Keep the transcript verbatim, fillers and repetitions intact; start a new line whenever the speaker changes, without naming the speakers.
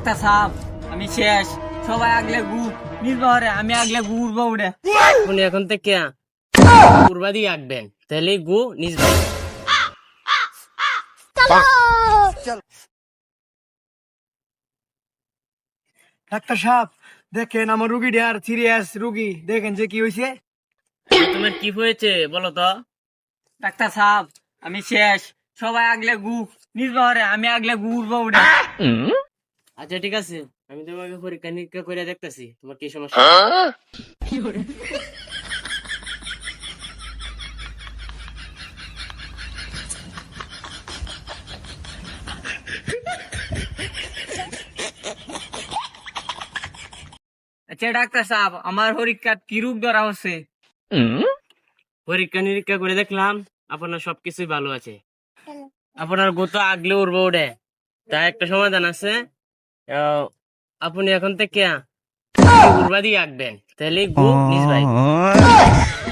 Doctor সাহেব আমি শেষ। সবাই আগলে গু নিজ বহরে, আমি আগলে গু উড়বো উড়ে।
উনি এখন থেকে পূর্বা দিকে আঁকবেন, তাহলে গু নিজ ভাই।
ডাক্তার সাহেব দেখেন আমার রুগীটা আর সিরিয়াস রুগী, দেখেন যে কি হয়েছে।
তোমার কি হয়েছে বলো তো?
ডাক্তার সাহেব আমি শেষ। সবাই আগলে গু নিজ বহরে, আমি আগলে গু উড়বো উড়ে।
আচ্ছা ঠিক আছে, আমি তোমাকে পরীক্ষা নিরীক্ষা করে দেখতেছি তোমার কি সমস্যা।
আচ্ছা ডাক্তার সাহেব আমার পরীক্ষার কি রোগ ধরা হচ্ছে?
পরীক্ষা নিরীক্ষা করে দেখলাম আপনার সবকিছুই ভালো আছে। আপনার গো তো আগলে উড়বো উড়ে, তাই একটা সমাধান আছে। আহ, আপনি এখন থেকে উড়বা দিয়ে আঁকবেন, তাহলে গু নিজ ভাই।